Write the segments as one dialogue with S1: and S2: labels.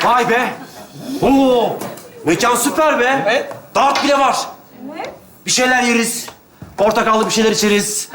S1: Vay be. Oo, mekan süper be.
S2: Evet.
S1: Dart bile var.
S3: Evet.
S1: Bir şeyler yeriz. Portakallı bir şeyler içeriz.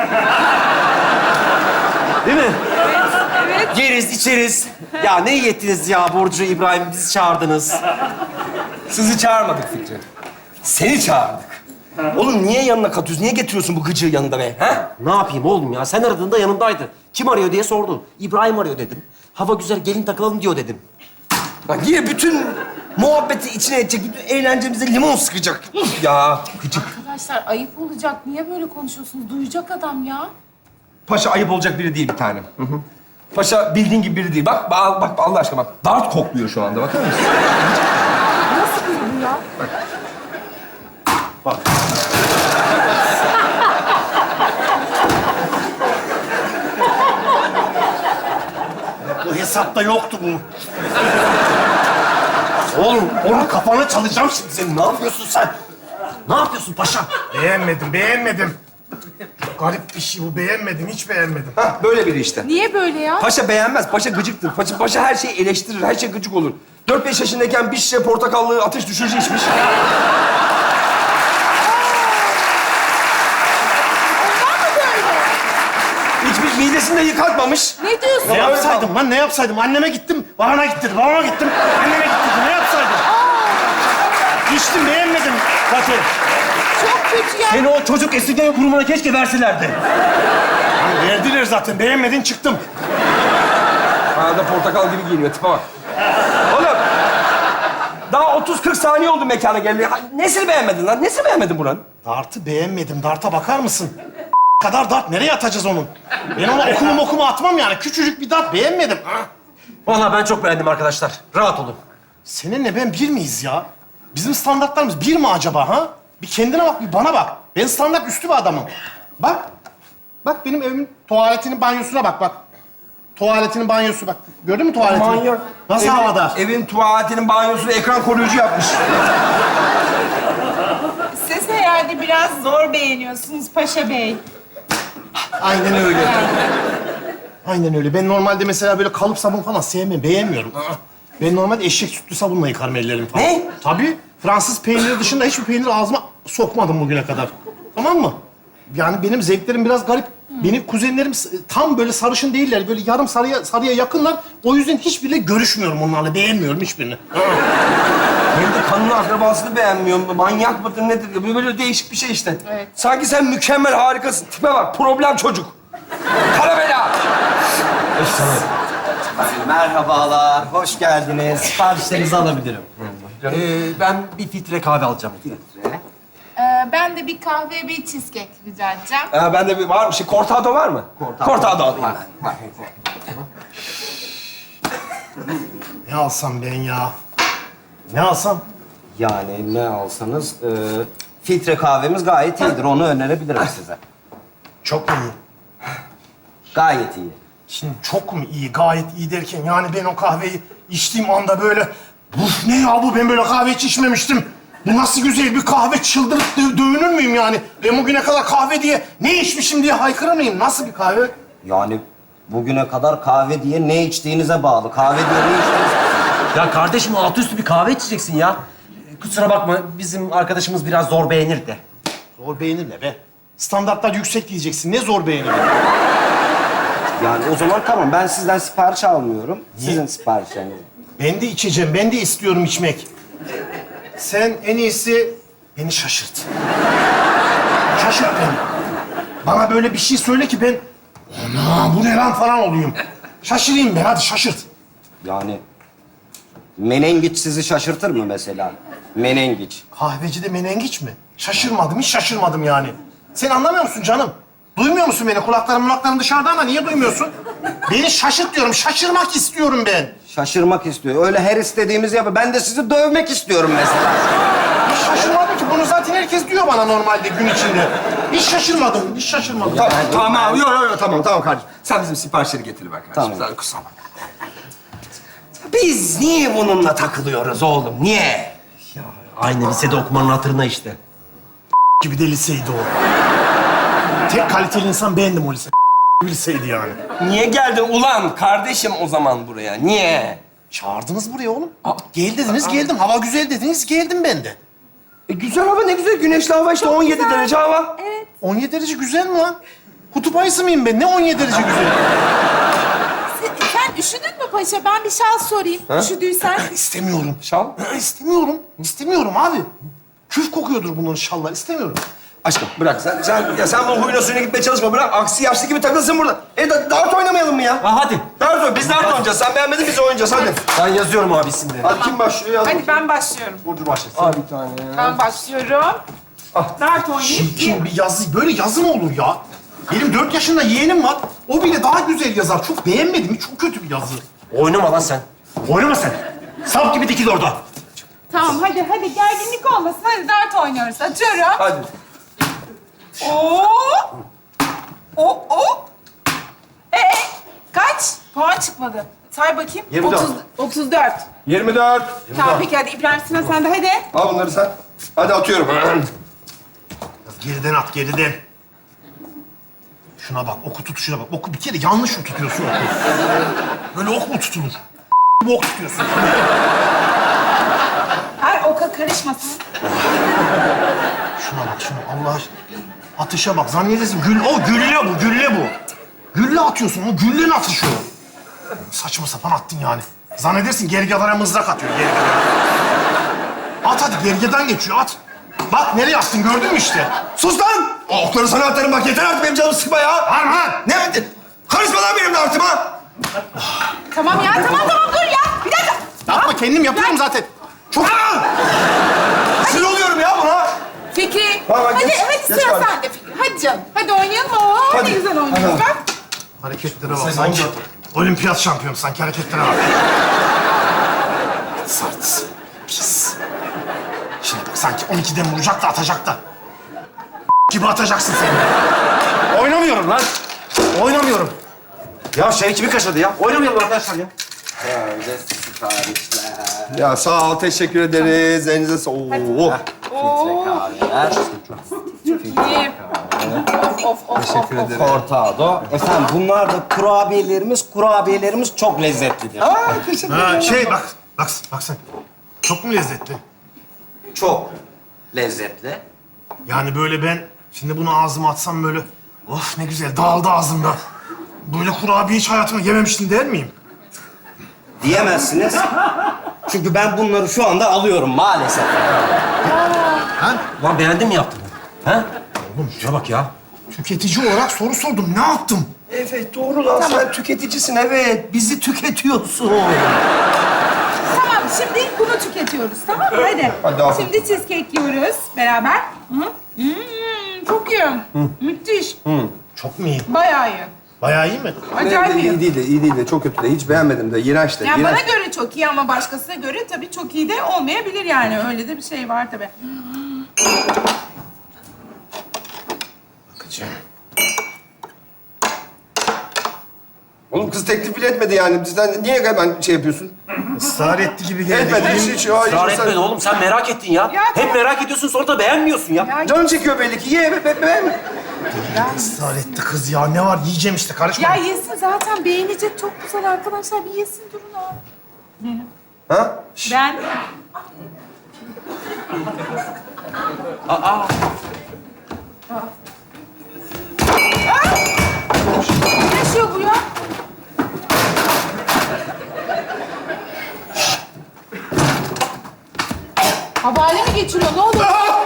S1: Değil mi?
S3: Evet.
S1: Yeriz, içeriz. Ya ne iyi ettiniz ya Burcu, İbrahim. Bizi çağırdınız.
S2: Sizi çağırmadık Fikri. Seni çağırdık. Oğlum niye yanına katıyorsun? Niye getiriyorsun bu gıcığı yanında be? Ha?
S1: Ne yapayım oğlum ya? Sen aradığında yanımdaydı. Kim arıyor diye sordu. İbrahim arıyor dedim. Hava güzel, gelin takılalım diyor dedim.
S2: Bak yine bütün muhabbeti içine edecek, bütün eğlencemize limon sıkacak. Uf ya, gıcık.
S3: Arkadaşlar ayıp olacak. Niye böyle konuşuyorsunuz? Duyacak adam ya.
S2: Paşa ayıp olacak biri değil bir tanem. Hı hı. Paşa bildiğin gibi biri değil. Bak Allah aşkına bak. Dart kokluyor şu anda, bakar mısın?
S3: Nasıl biri bu ya?
S1: Bak.
S4: Bu hesapta yoktu bu. Oğlum, onun kafanı çalacağım şimdi senin. Ne yapıyorsun sen?
S1: Ne yapıyorsun paşa?
S4: Beğenmedim. Çok garip bir şey bu. Beğenmedim, hiç beğenmedim.
S2: Hah, böyle biri işte.
S3: Niye böyle ya?
S2: Paşa beğenmez, paşa gıcıktır. Paşa her şeyi eleştirir, her şey gıcık olur. 4-5 yaşındayken bir şişe portakallı ateş düşürücü içmiş. İçmiş, midesini de yıkatmamış.
S3: Ne diyorsun?
S4: Ne yapsaydım lan, ne yapsaydım? Anneme gittim, babama gittim, babama gittim. Anneme gittim, ne yapsaydım? İçtim, beğenmedim zaten.
S3: Çok kötü ya.
S1: Seni o çocuk esirgeme kurumuna keşke verselerdi.
S4: Verdiler zaten, beğenmedin çıktım.
S2: Bana da portakal gibi giyiniyor, tipe bak. Oğlum, daha 30-40 saniye oldu mekana geldi. Nesini beğenmedin lan? Nesini beğenmedin buranın?
S4: Dart'ı beğenmedim, Dart'a bakar mısın? Kadar Dart, nereye atacağız onun? Ben ona okumu atmam yani. Küçücük bir Dart, beğenmedim.
S1: Vallahi ben çok beğendim arkadaşlar. Rahat olun.
S4: Seninle ben bir miyiz ya? Bizim standartlarımız bir mi acaba ha? Bir kendine bak, bir bana bak. Ben standart üstü bir adamım. Bak. Bak benim evimin tuvaletinin banyosuna bak. Tuvaletinin banyosu bak. Gördün mü tuvaletini?
S2: Manyak.
S4: Nasıl
S2: Evin-
S4: havada?
S2: Evin tuvaletinin banyosunu ekran koruyucu yapmış.
S5: Siz herhalde biraz zor beğeniyorsunuz Paşa Bey.
S4: Aynen öyle. Aynen öyle. Ben normalde mesela böyle kalıp sabun falan sevmem, beğenmiyorum. Ben normalde eşek sütlü sabunla yıkarım ellerimi falan.
S2: Ne?
S4: Tabii. Fransız peyniri dışında hiçbir peynir ağzıma sokmadım bugüne kadar. Tamam mı? Yani benim zevklerim biraz garip. Benim kuzenlerim tam böyle sarışın değiller. Böyle yarım sarıya yakınlar. O yüzden hiçbiriyle görüşmüyorum onlarla. Beğenmiyorum hiçbirini.
S2: Hem de kanlı akrabasını beğenmiyorum. Manyak mıdır nedir? Böyle değişik bir şey işte.
S3: Evet.
S2: Sanki sen mükemmel, harikasın. Tipe bak, problem çocuk. Kara bela.
S6: Merhabalar, hoş geldiniz. Siparişlerinizi alabilirim.
S1: Ben bir filtre kahve alacağım.
S3: Ben de bir kahve, bir cheesecake rica edeceğim.
S2: Bende bir var mı? Cortado var mı? Cortado alayım.
S4: Ne alsam ben ya? Ne alsam?
S6: Yani ne alsanız, filtre kahvemiz gayet iyidir. Onu önerebilirim size.
S4: Çok mu iyi?
S6: Gayet iyi.
S4: Şimdi çok mu iyi, gayet iyi derken yani ben o kahveyi içtiğim anda böyle... Uf ne ya bu, ben böyle kahve hiç içmemiştim. Bu nasıl güzel bir kahve, çıldırıp dövünür müyüm yani? Ben bugüne kadar kahve diye ne içmişim diye haykırır mıyım? Nasıl bir kahve?
S6: Yani bugüne kadar kahve diye ne içtiğinize bağlı. Kahve diye ne içtiğiniz...
S1: Ya kardeşim altı üstü bir kahve içeceksin ya. Kusura bakma bizim arkadaşımız biraz zor beğenir de.
S4: Zor beğenir ne be? Standartlar yüksek diyeceksin, ne zor beğenir?
S6: Yani o zaman tamam, ben sizden sipariş almıyorum. Sizin siparişleriniz.
S4: Ben de içeceğim, ben de istiyorum içmek. Sen en iyisi beni şaşırt. Şaşırt beni. Bana böyle bir şey söyle ki ben... Ana bu ne lan falan olayım. Şaşırayım ben, hadi şaşırt.
S6: Yani menengiç sizi şaşırtır mı mesela? Menengiç.
S4: Kahvecide menengiç mi? Şaşırmadım, hiç şaşırmadım yani. Sen anlamıyor musun canım? Duymuyor musun beni? Kulaklarım dışarıda ama niye duymuyorsun? Beni şaşırt diyorum, şaşırmak istiyorum ben.
S6: Şaşırmak istiyor. Öyle her istediğimizi yapıyor. Ben de sizi dövmek istiyorum mesela.
S4: Hiç şaşırmadım ki. Bunu zaten herkes diyor bana normalde gün içinde. Hiç şaşırmadım, hiç şaşırmadım.
S2: Tamam. Yok, tamam kardeşim. Sen bizim siparişleri getir be kardeşim.
S6: Tamam.
S2: Sen kusura bakma. Biz niye bununla takılıyoruz oğlum? Niye?
S1: Aynı lisede okumanın hatırına işte.
S4: Gibi de liseydi o. Tek kaliteli insan bendim o lise. Bir liseydi yani.
S2: Niye geldin ulan kardeşim o zaman buraya? Niye?
S4: Çağırdınız buraya oğlum. Gel dediniz, geldim. Hava güzel dediniz, geldim ben de.
S2: Güzel hava ne güzel. Güneşli hava işte 17 derece hava.
S4: 17 derece güzel mi lan? Kutup ayısı mıyım ben? Ne 17 derece güzel?
S3: Sen üşüdün mü paşa? Ben bir şal sorayım. Üşüdüysen.
S4: İstemiyorum.
S2: Şal.
S4: İstemiyorum. İstemiyorum abi. Küf kokuyordur bunların şallar. İstemiyorum.
S2: Aşkım bırak sen bu huyuna suyuna gitmeye çalışma. Bırak aksi yaşlı gibi takılsın burada. Dart oynamayalım mı ya?
S1: Ha hadi.
S2: Biz dart oynayacağız. Sen beğenmedin biz oynayacağız hadi.
S1: Ben yazıyorum abi isimleri.
S2: Hadi kim başlıyor yaz.
S3: Hadi ben başlıyorum.
S1: Burcu başlasın.
S2: Al bir tane.
S3: Ben başlıyorum. Dart oynayıp
S4: Kim bir yazı, böyle yazı mı olur ya? Benim 4 yaşında yeğenim var. O bile daha güzel yazar. Çok beğenmedim. Çok kötü bir yazı.
S1: Oynama lan sen. Oynama sen. Sap gibi dikil orada.
S3: Tamam hadi gerginlik olmasın. Hadi dart oynuyoruz. Atıyorum.
S2: Hadi.
S3: Oo. Kaç? Puan çıkmadı. Say bakayım.
S2: 24.
S3: 34.
S2: 24.
S3: Tamam peki hadi İbrahim Sinan sen de hadi.
S2: Al bunları sen. Hadi atıyorum.
S4: Geriden at, geriden. Şuna bak, oku tutuşuna bak. Oku bir kere yanlış mı tutuyorsun oku? Böyle ok mu tutulur? Bu ok tutuyorsun.
S3: Her oka karışmasın.
S4: Şuna bak, şuna. Allah aşkına. Atışa bak. Zannedersin gülle bu, gülle bu. Gülle atıyorsun, o güllen atışı o. Saçma sapan attın yani. Zannedersin gergedana mızrak atıyor, gergedana. At hadi, gergedan geçiyor, at. Bak nereye attın, gördün mü işte?
S2: Sus lan! Okları sana atarım bak yeter artık benim canımı sıkma ya.
S4: Harman!
S2: Ne? Karışma lan benim dartıma.
S3: Tamam dur ya. Bir dakika.
S4: Yapma, kendim yapıyorum zaten. Çok...
S2: Sinir oluyorum ya buna.
S3: Fikri.
S2: Tamam,
S3: Hadi
S2: geç
S3: sıra
S2: kardeşim.
S3: sende Fikri. Hadi canım. Hadi oynayalım. Oo,
S2: Hadi.
S3: ne güzel oynuyoruz bak.
S4: Hareketlere bak, sanki olimpiyat şampiyonu, sanki hareketlere bak. Sert, pis. Şimdi bak, sanki 12'den vuracak da atacak da. Gibi atacaksın sen.
S1: Oynamıyorum lan. Oynamıyorum. Ya şevkimi kaşıdı ya. Oynamayalım arkadaşlar ya.
S2: Ya sağ ol teşekkür ederiz. Elinize sağlık.
S3: Oo.
S6: Kahveler.
S3: İyi. Of.
S2: Teşekkür ederim.
S6: Cortado. Efendim bunlar da kurabiyelerimiz çok lezzetlidir.
S2: Teşekkür
S4: Ha, şey bak sen. Çok mu lezzetli?
S6: Çok lezzetli.
S4: Yani böyle ben şimdi bunu ağzıma atsam böyle, of ne güzel dağıldı ağzımda. Böyle kurabiye hiç hayatımda yememiştim der miyim?
S6: Diyemezsiniz. Çünkü ben bunları şu anda alıyorum maalesef.
S1: Lan beğendin mi yaptığını? Ha? Oğlum şuna bak ya.
S4: Tüketici olarak soru sordum, ne yaptım?
S2: Evet doğru lan sen tüketicisin evet. Bizi tüketiyorsun.
S3: Tamam şimdi bunu tüketiyoruz tamam mı? Hadi.
S2: Hadi afiyet.
S3: Şimdi cheesecake yiyoruz beraber. Hı? Çok iyi. Müthiş.
S4: Çok mu iyi?
S3: Bayağı iyi.
S4: Bayağı iyi mi?
S3: Acayip iyi.
S2: iyi değil de çok kötü de hiç beğenmedim de iğrenç de.
S3: Yani
S2: iğrenç.
S3: bana göre çok iyi ama başkasına göre tabii çok iyi de olmayabilir yani. Öyle de bir şey var tabii.
S4: Bakacağım.
S2: Oğlum kız teklif bile etmedi yani. Bizden niye hemen şey yapıyorsun?
S4: Israr etti gibi geldi.
S2: Etmedi hiç.
S1: Israr etmedin oğlum. Sen merak ettin ya.
S3: Ya
S1: Hep merak ediyorsun sonra da beğenmiyorsun ya.
S3: Ya,
S2: Canın çekiyor belli ki. Ye be.
S4: Israr etti kız ya. Ne var? Yiyeceğim işte. Karışma.
S3: ya yesin zaten beğenecek çok güzel arkadaşlar. Bir yesin durun abi.
S2: Ha?
S3: Ben... Ne yaşıyor bu ya? Havale mi geçiriyor? Ne oluyor?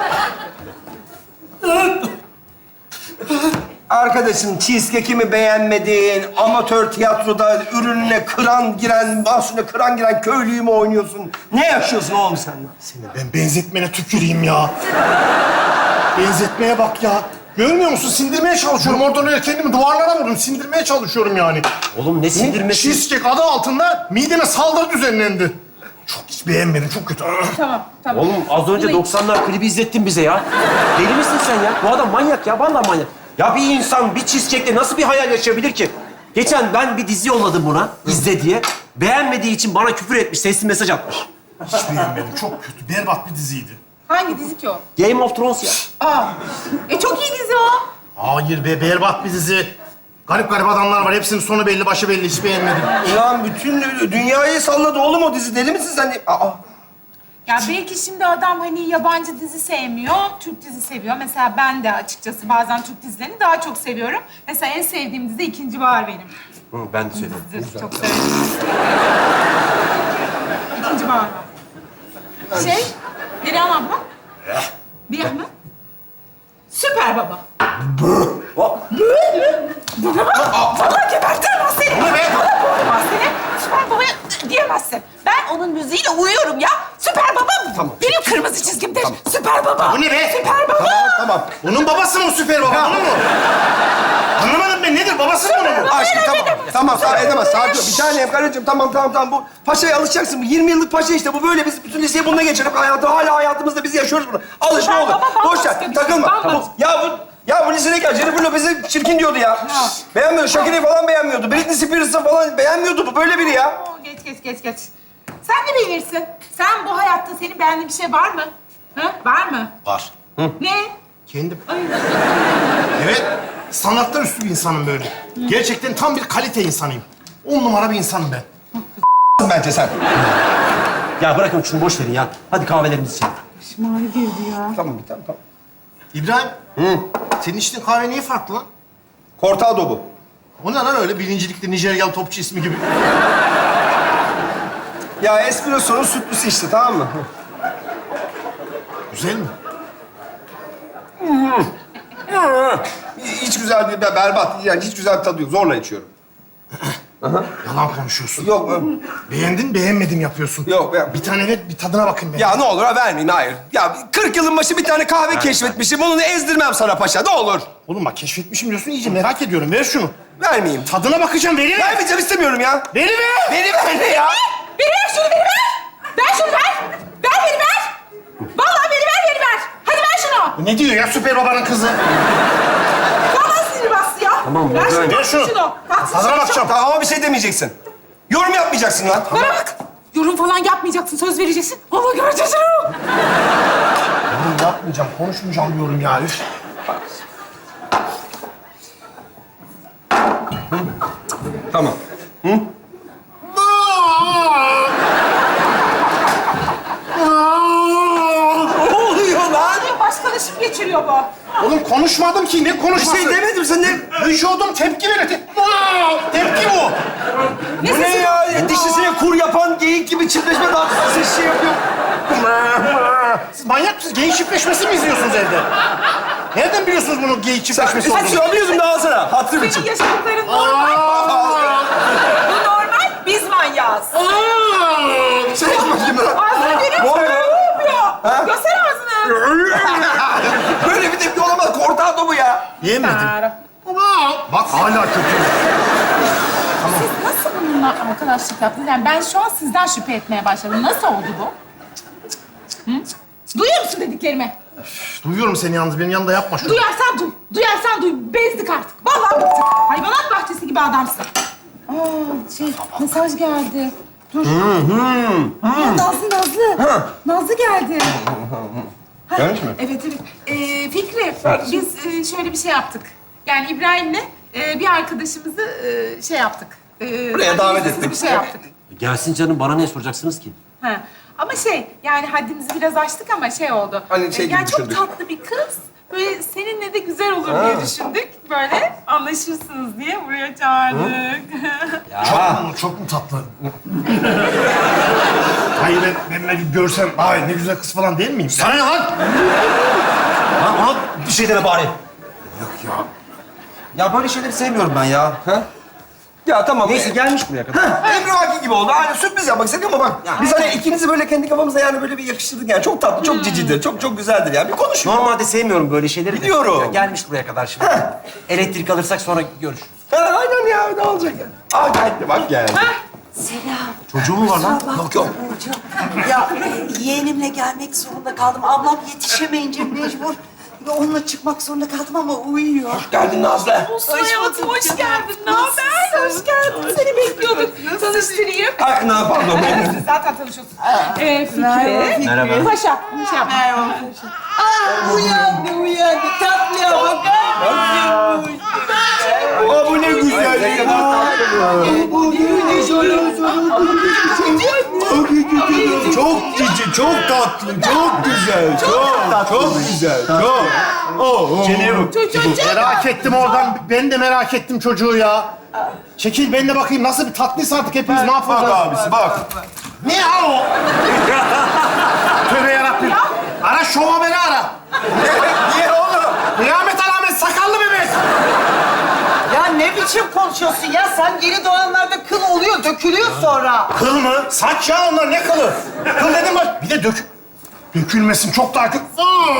S2: Arkadaşım cheesecake'imi beğenmedin. Amatör tiyatroda ürününe mahsulüne kıran giren köylüyü mü oynuyorsun? Ne yaşıyorsun oğlum sen?
S4: Seni ben benzetmene tüküreyim ya. Benzetmeye bak ya. Görmüyor musun? Sindirmeye çalışıyorum. Oradan öyle kendimi duvarlara vurdum. Sindirmeye çalışıyorum yani.
S1: Oğlum ne sindirmesi?
S4: Cheesecake adı altında mideme saldırı düzenlendi. Çok hiç beğenmedim. Çok kötü.
S3: Tamam.
S1: Oğlum az önce 90'lar klibi izlettin bize ya. Deli misin sen ya? Bu adam manyak ya. Vallahi manyak. Ya bir insan bir cheesecake'le nasıl bir hayal yaşayabilir ki? Geçen ben bir dizi yolladım buna, izle diye. Beğenmediği için bana küfür etmiş, sesli mesaj atmış.
S4: Hiç beğenmedim. Çok kötü. Berbat bir diziydi.
S3: Hangi dizi ki o?
S1: Game of Thrones ya.
S3: Aa. Çok iyi dizi o.
S4: Hayır be, berbat bir dizi. Garip garip adamlar var. Hepsinin sonu belli, başı belli. Hiç beğenmedim.
S2: Ulan bütün dünyayı salladı oğlum o dizi. Deli misin sen? Aa.
S3: Ya belki şimdi adam hani yabancı dizi sevmiyor, Türk dizi seviyor. Mesela ben de açıkçası bazen Türk dizilerini daha çok seviyorum. Mesela en sevdiğim dizi İkinci Bahar benim.
S1: Ben de söyledim.
S3: Dizi çok severim. İkinci Bahar. Perihan abla. Bir yana. Süper Baba. Bana bak. Vallahi gebertirim ben seni. Vallahi boğarım seni. Süper Baba'ya diyemezsin. Ben onun müziğiyle uyuyorum ya. Süper Baba benim kırmızı çizgimdir. Süper Baba.
S4: Bu ne be?
S3: Süper Baba.
S4: Tamam. Bunun babası mı süper baba? Bunun mu? Anlamadım ben. Nedir? Babası mı bunun?
S2: Aşkım tamam edemez. Sakin ol. Bir tanem karıcığım tamam. Bu paşaya alışacaksın. Bu 20 yıllık paşa işte. Bu böyle biz bütün liseyi bununla geçirip hala hayatımızda biz yaşıyoruz bunu. Alış ne olur. Boş ver. Takılma. Bu lisede gel. Jennifer Lopez'i çirkin diyordu ya. Beğenmiyordu. Shakira'yı falan beğenmiyordu. Britney Spears'ı falan beğenmiyordu. Bu böyle biri ya.
S3: Geç. Sen de bilirsin. Sen bu hayatta senin beğendiğin bir şey var mı? Ha? Var mı?
S4: Var.
S3: Ne?
S4: Kendim.
S3: Ay.
S4: Evet. Sanatlar üstü bir insanım böyle. Gerçekten tam bir kalite insanıyım. 10 numara bir insanım ben.
S2: Bence sen.
S1: Ya bırakın şunu boş verin ya. Hadi kahvelerimizi içelim.
S3: Şımari girdi ya.
S2: Tamam.
S4: İbrahim. Senin içtiğin kahve niye farklı lan?
S2: Cortado bu.
S4: O ne lan öyle birincilikli Nijeryalı topçu ismi gibi?
S2: Ya espresso'nun sütlüsü işte tamam mı?
S4: Güzel mi?
S2: Hiç güzel değil, berbat. Yani hiç güzel bir tadı yok. Zorla içiyorum.
S4: Yalan konuşuyorsun.
S2: Yok,
S4: Beğendin, beğenmedim yapıyorsun.
S2: yok.
S4: Bir tane ver, bir tadına bakayım ben.
S2: Ya ne olur ha vermeyin, hayır. Ya 40 yılın başı bir tane kahve keşfetmişim. Onu ezdirmem sana paşa, ne olur.
S4: Oğlum bak keşfetmişim diyorsun, iyice merak ediyorum. Ver şunu.
S2: Vermeyeyim.
S4: Tadına bakacağım, veriver.
S2: Vermeyeceğim, istemiyorum ya.
S4: Veriver.
S2: Ver ne ya?
S3: Ver şunu, ver! Ver şunu, ver! Ver! Vallahi ver! Hadi ver şunu!
S4: Ne diyor ya süper babanın kızı?
S3: Vallahi sinir bastı ya.
S1: Tamam,
S3: ver şunu,
S4: ver şunu.
S3: Baksın
S4: Tadına
S3: şunu.
S4: bakacağım.
S2: Tamam ama bir şey demeyeceksin. Yorum yapmayacaksın lan.
S3: Bana bak. Yorum falan yapmayacaksın, söz vereceksin. Vallahi göreceğiz onu.
S4: Oğlum yapmayacağım, konuşmayacağım diyorum ya. Üf.
S2: Tamam. Ne oluyor lan?
S3: Başkalaşım geçiriyor bu.
S4: Oğlum konuşmadım ki, ne
S2: Bir
S4: konuşması?
S2: şey demedim, sen ne?
S4: Vücudum tepki verir. Tepki bu.
S2: Bu ne ya? Dişisine kur yapan geyik gibi çiftleşme dansı şey yapıyor.
S4: Siz manyak mısınız? Geyik çiftleşmesi mi izliyorsunuz evde? Nereden biliyorsunuz bunun geyik çiftleşmesi
S2: Sen
S4: olduğunu?
S2: söylüyorsun daha sana. Hatırım için.
S3: Senin yaşadıkların normal. Bu normal, biz manyağız.
S2: Şey bakayım lan.
S3: Ağzını görüyor musun?
S2: Ne oluyor?
S3: Ne yapıyor? Göster ağzını.
S2: Böyle bir tepki olamaz. Cortado bu ya.
S4: Yemedim. Bak hala kötü.
S3: Siz nasıl bununla arkadaşlık yaptınız? Yani ben şu an sizden şüphe etmeye başladım. Nasıl oldu bu? Hı? Duyuyor musun dediklerimi?
S4: Duyuyorum seni yalnız, benim yanında yapma şunu.
S3: Duyarsan duy. Bezdik artık. Vallahi bıktık. Hayvanat bahçesi gibi adamsın. Mesaj geldi. Dur. Nazlı. Nazlı geldi.
S2: Gelmiş mi?
S3: Evet. Fikri, biz şöyle bir şey yaptık. Yani İbrahim'le bir arkadaşımızı şey yaptık.
S2: Buraya davet
S3: haddimizsiz
S2: ettik.
S3: Bir şey yaptık.
S1: Gelsin canım, bana ne soracaksınız ki?
S3: Ha. Ama yani haddimizi biraz aştık ama şey oldu.
S2: Hani şey gibi
S3: yani çok
S2: düşündük.
S3: tatlı bir kız. Böyle seninle de güzel olur diye düşündük. Böyle anlaşırsınız diye buraya çağırdık.
S4: Çok mu tatlı? Hayır ben bir görsem, ay ne güzel kız falan değil miyim? Sana ne lan?
S1: Lan ona bir şey deme bari.
S6: Ya böyle şeyleri sevmiyorum ben ya.
S2: Ha? Ya tamam.
S1: Neyse gelmiş buraya kadar.
S2: Emrivaki gibi oldu. Hani sürpriz yapmak istedim ama bak. Biz hani ikinizi böyle kendi kafamızda yani böyle bir yakıştırdık yani. Çok tatlı, çok cicidir, çok güzeldir yani. Bir konuşun.
S1: Normalde sevmiyorum böyle şeyleri. de.
S2: Biliyorum.
S1: Ya gelmiş buraya kadar şimdi. Elektrik alırsak sonra görüşürüz.
S2: Ha, aynen ya, ne olacak ya? Aa geldi, bak geldi.
S7: Selam.
S1: Çocuğu mu var lan?
S2: Yok yok.
S7: Ya yeğenimle gelmek zorunda kaldım. Ablam yetişemeyince mecbur onunla çıkmak zorunda kaldım ama uyuyor.
S2: Geldin Nazlı.
S3: Olsun hayatım, hoş geldin. Ne haber? Hoş geldin. Seni bekliyorduk. Tanıştırayım.
S2: Ay, ne pardon.
S3: Siz zaten tanışıyorsunuz. Fikri.
S1: Merhaba.
S3: Paşa. Şey yapma.
S7: Uyandı. Tatlıya bak.
S2: Aa, bu ne Ne kadar tatlı bu.
S4: Çok cici, çok tatlı, çok güzel, çok güzel, çok. Merak ettim oradan. Ben de merak ettim çocuğu ya. Çekil ben de bakayım nasıl bir tatlıysa artık hepimiz ne yapacağız?
S2: Bak abisi bak.
S4: Ne ya o? Tövbe yarabbim. Ara şova beni ara.
S2: Niye oğlum?
S4: Kıyamet alamet sakallı bebek.
S7: Ya ne biçim konuşuyorsun ya? Sen yeni doğanlarda kıl oluyor, dökülüyor sonra.
S4: Kıl mı? Saç ya onlar ne kılı? Kıl dedim bak. Bir de dökülmesin çok daha kötü.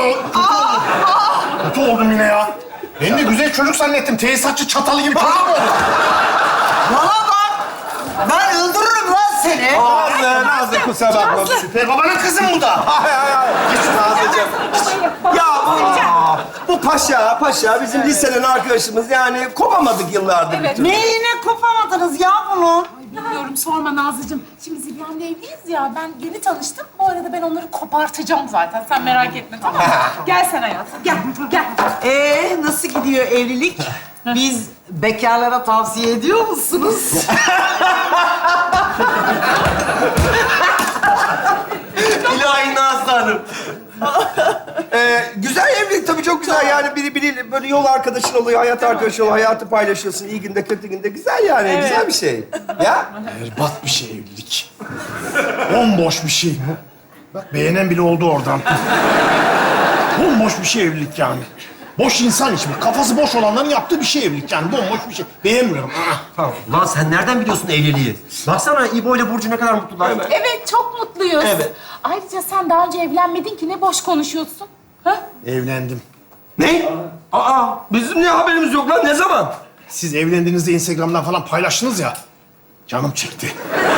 S4: Kötü oldum yine ya. Ben de güzel çocuk zannettim. Tesisatçı çatalı gibi çocuk mu oldum?
S7: Bana bak! Ben öldürürüm lan seni.
S2: Nazlı kusura bakma.
S4: Süper babanın kızı mı bu da?
S2: Hayır. Geç Nazlıcığım. Ya bu paşa bizim liseden arkadaşımız yani kopamadık yıllardır.
S3: Evet.
S7: Neyine kopamadınız ya bunun?
S3: Bilmiyorum, sorma Nazlıcığım. Şimdi Zilyan'la evliyiz ya, ben yeni tanıştım. Bu arada ben onları kopartacağım zaten. Sen merak etme, tamam mı? Gel sen hayatım, gel.
S7: Nasıl gidiyor evlilik? Biz bekarlara tavsiye ediyor musunuz?
S2: İlahi Nazlı Hanım. Güzel evlilik tabii çok güzel yani biri böyle yol arkadaşın oluyor, hayat arkadaşı oluyor, hayatı paylaşıyorsun iyi günde kötü günde güzel yani güzel bir şey. Ya
S4: Berbat bir şey evlilik. Bomboş bir şey. Bak beğenen bile oldu oradan. Bomboş bir şey evlilik yani. Boş insan için. Kafası boş olanların yaptığı bir şey evlilik yani. Bomboş bir şey. Beğenmiyorum.
S1: Tamam. Ulan sen nereden biliyorsun evliliği? Baksana İbo ile Burcu ne kadar mutlular.
S3: Evet, çok mutluyuz.
S1: Evet.
S3: Ayrıca sen daha önce evlenmedin ki, ne boş konuşuyorsun. Ha?
S4: Evlendim.
S2: ne? Bizim ne haberimiz yok lan ne zaman?
S4: Siz evlendiğinizde Instagram'dan falan paylaştınız ya. Canım çekti.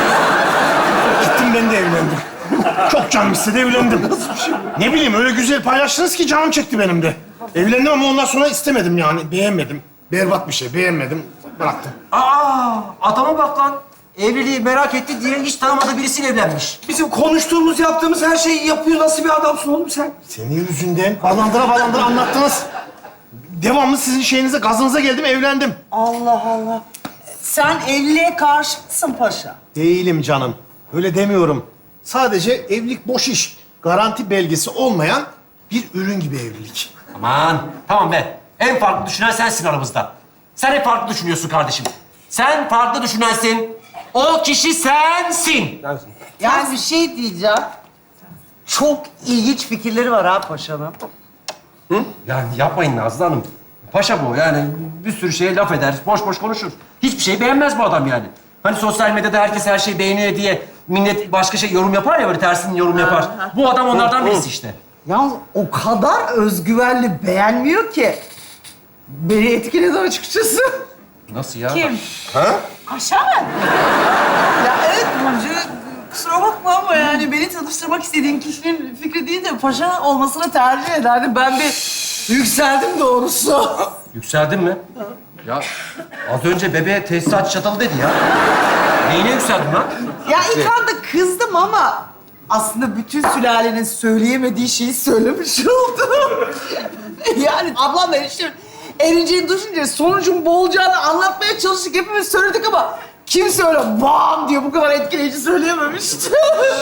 S4: Gittim ben de evlendim. Çok canım istedi evlendim. Nasıl bir şey? Ne bileyim öyle güzel paylaştınız ki canım çekti benim de. Evlendim ama ondan sonra istemedim yani. Beğenmedim. Berbat bir şey. Beğenmedim. Bıraktım.
S1: Adama bak lan. Evliliği merak etti diye hiç tanımadığı birisiyle evlenmiş.
S2: Bizim konuştuğumuz, yaptığımız her şeyi yapıyor. Nasıl bir adamsın oğlum sen?
S4: Senin yüzünden balandıra anlattınız. Devamlı sizin şeyinize, gazınıza geldim, evlendim.
S7: Allah Allah. Sen evliliğe karşı mısın paşa?
S4: Değilim canım. Öyle demiyorum. Sadece evlilik boş iş. Garanti belgesi olmayan bir ürün gibi evlilik.
S1: Aman tamam be. En farklı düşünen sensin aramızda. Sen hep farklı düşünüyorsun kardeşim. Sen farklı düşünensin. O kişi sensin.
S7: Yani bir şey diyeceğim. Çok ilginç fikirleri var ha paşanın.
S1: Yani yapmayın Nazlı Hanım. Paşa bu yani bir sürü şeye laf eder, boş boş konuşur. Hiçbir şey beğenmez bu adam yani. Hani sosyal medyada herkes her şeyi beğeniyor diye millet başka şey yorum yapar ya böyle tersini yorum yapar. Bu adam onlardan birisi işte.
S7: Yalnız o kadar özgüvenli beğenmiyor ki. Beni etkiledi açıkçası.
S1: Nasıl ya?
S3: Kim? Paşa mı?
S7: Ya evet Burcu, kusura bakma ama yani beni tanıştırmak istediğin kişinin fikri değil de paşa olmasını tercih ederdim. Ben bir yükseldim doğrusu.
S1: Yükseldin mi? Ya az önce bebeğe tesisat çatalı dedi ya. Neyine yükseldin lan?
S7: Ya ilk anda kızdım ama aslında bütün sülalenin söyleyemediği şeyi söylemiş oldum. Yani ablam eniştem erinceğini düşünce sonucun bu olacağını anlatmaya çalıştık. Hepimiz söyledik ama kimse öyle bam diye bu kadar etkileyici söyleyememişti.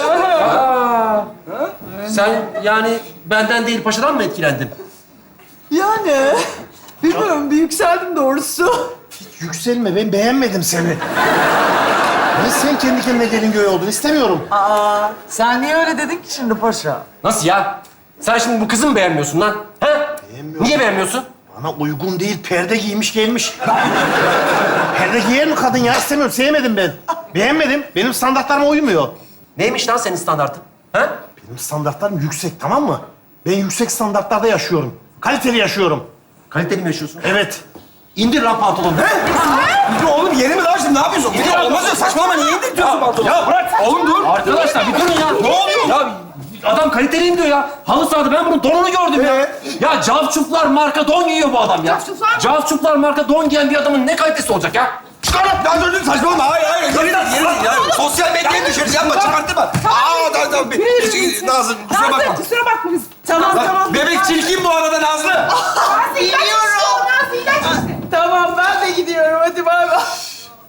S1: Sen yani benden değil paşadan mı etkilendin?
S7: Yani bilmiyorum bir yükseldim doğrusu.
S4: Yükselme, ben beğenmedim seni. Ben sen kendi kendine gelin göğe oldun, istemiyorum.
S7: Aa, sen niye öyle dedin ki şimdi paşa?
S1: Nasıl ya? Sen şimdi bu kızı mı beğenmiyorsun lan? Ha?
S4: Beğenmiyorum.
S1: Niye beğenmiyorsun?
S4: Bana uygun değil, perde giymiş gelmiş. Perde giyer mi kadın ya? İstemiyorum, sevmedim ben. Beğenmedim, benim standartlarıma uymuyor.
S1: Neymiş lan senin standartın? Ha?
S4: Benim standartlarım yüksek, tamam mı? Ben yüksek standartlarda yaşıyorum. Kaliteli yaşıyorum.
S1: Kaliteli mi yaşıyorsun?
S4: Evet.
S1: İndir lan pantolonunu.
S2: Ya oğlum yeni mi lan şimdi ne yapıyorsun? Bir de olmaz ya saçmalama niye indiriyorsun pantolonu?
S1: Ya bırak.
S2: Oğlum dur.
S1: Arkadaşlar bir durun ya.
S2: Ne oluyor?
S1: Ya adam kaliteliyim diyor ya. Halı sahada ben bunun donunu gördüm ya. Ya Cavcuflar marka don giyiyor bu adam ya.
S3: Cavcuflar mı?
S1: Cavcuflar marka don giyen bir adamın ne kalitesi olacak ya?
S2: Çıkar lan. Ya dur saçmalama. Hayır. Yeni değil ya. Sosyal medyaya düşeriz yapma çıkartma. Tamam. Nazlı kusura bakma.
S3: Kusura bakma biz.
S7: Tamam.
S2: Bebek çirkin bu arada Nazlı.
S3: Nazlı ilaç içti. Nazlı ilaç içti.
S7: Tamam ben de gidiyorum hadi bay bay.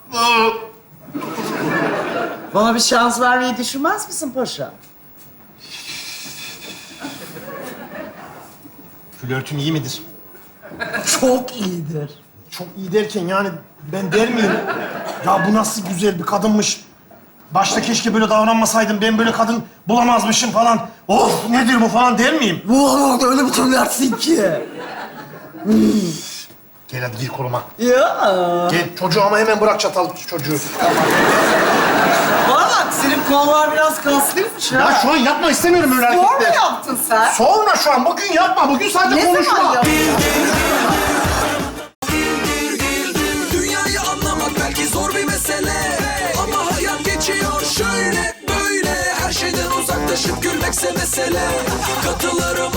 S7: Bana bir şans vermeyi düşünmez misin paşa?
S4: Flörtün iyi midir?
S7: Çok iyidir.
S4: Çok iyi derken yani ben der miyim? Ya bu nasıl güzel bir kadınmış. Başta keşke böyle davranmasaydım, ben böyle kadın bulamazmışım falan. Of nedir bu falan der miyim?
S7: Wow, öyle bir söylersin ki.
S4: Gel hadi gir koluma.
S7: Ya.
S4: Gel çocuğu ama hemen bırak çatal çocuğu.
S7: Bana bak, senin kollar biraz kaslıymış ha.
S4: Ya şu an yapma istemiyorum öyle
S7: Spor mu
S4: hareketler.
S7: yaptın sen?
S4: Sonra şu an bugün yapma. Bugün sadece
S7: Ne
S4: konuşma.
S7: zaman yaptın?
S8: Dünyayı anlamak belki zor bir mesele, ama hayat geçiyor şöyle böyle. Her şeyden uzaklaşıp gülmekse mesele. Katılırım